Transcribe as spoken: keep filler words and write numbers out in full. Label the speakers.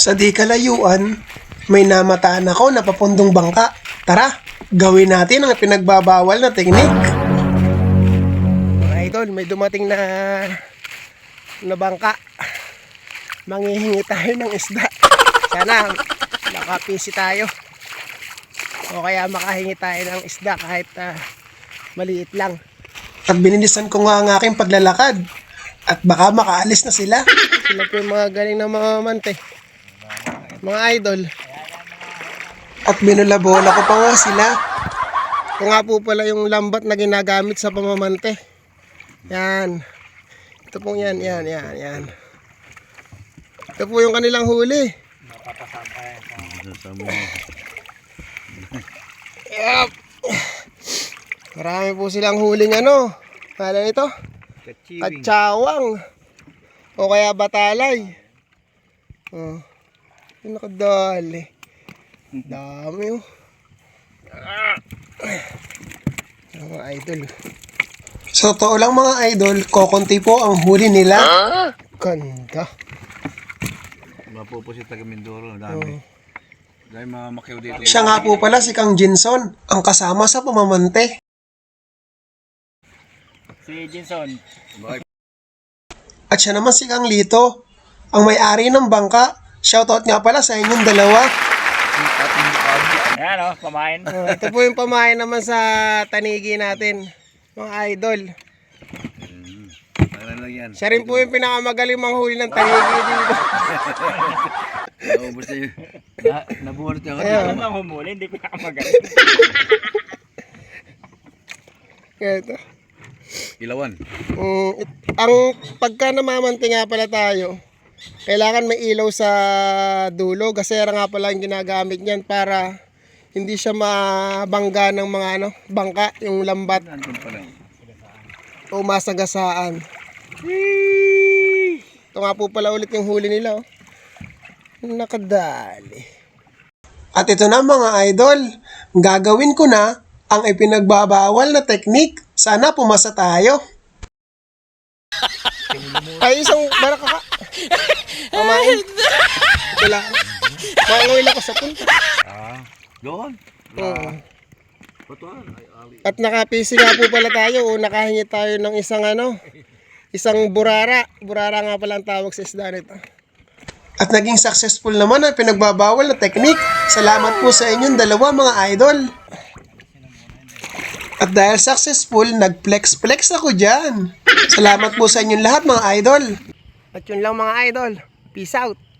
Speaker 1: Sa di kalayuan, may namataan ako na papundong bangka. Tara, gawin natin ang pinagbabawal na teknik. Mga idol, may dumating na na bangka. Manghihingi tayo ng isda. Sana makapisi tayo. O kaya makahingi tayo ng isda kahit uh, maliit lang. At binilisan ko nga ang aking paglalakad. At baka makaalis na sila. Sila po yung mga galing na mga mamante. Mga idol. At binulabola ko pa nga sila. Ito nga po pala yung lambat na ginagamit sa pamamante. Yan. Ito po yan, yan, yan, yan. Ito po yung kanilang huli. Yep. Marami po silang huling ano. Kala nito? Katsawang. O kaya batalay. Oh. Yung nakadali. Dami oh. Mga idol. So totoo lang mga idol, kokonti po ang huli nila. Ganda.
Speaker 2: Mapupusit taga Mindoro, dami. Oh. Dahil mga makiw dito.
Speaker 1: Siya nga po pala si Kang Jinson, ang kasama sa pamamante.
Speaker 3: Si Jinson.
Speaker 1: At siya naman si Kang Lito, ang may-ari ng bangka. Shoutout nga pala sa inyong dalawa.
Speaker 3: Ayan o, pamain.
Speaker 1: Oh, ito po yung pamain naman sa tanigi natin, mga idol.
Speaker 2: Hmm. Lang yan.
Speaker 1: Siya rin po yung pinakamagaling manghuli ng tanigi dito.
Speaker 2: Naubos na yun. Na, nabuhat niya ako.
Speaker 3: Ano bang humuli? Hindi pinakamagaling.
Speaker 1: Ito.
Speaker 2: Ilawan.
Speaker 1: Um, it, ang pagka namamante nga pala tayo, kailangan may ilaw sa dulo. Gasera nga pala yung ginagamit niyan para hindi siya mabangga ng mga ano, bangka, yung lambat. O masagasaan. Ito nga po pala ulit yung huli nila. Oh. Nakadali. At ito na mga idol, gagawin ko na ang ipinagbabawal na teknik. Sana pumasa tayo. Ay, isang baraka ka. Pamain. Ito lang. Manguil ako sa punta.
Speaker 2: Ah, doon.
Speaker 1: Oo.
Speaker 2: Patuan.
Speaker 1: At nakapisi nga po pala tayo o nakahingi tayo ng isang ano, isang burara. Burara nga pala ang tawag sa isda nito. At naging successful naman ang pinagbabawal na teknik. Salamat po sa inyong dalawa mga idol. At dahil successful, nag-flex-flex ako dyan. Salamat po sa inyong lahat mga idol. At yun lang mga idol. Peace out.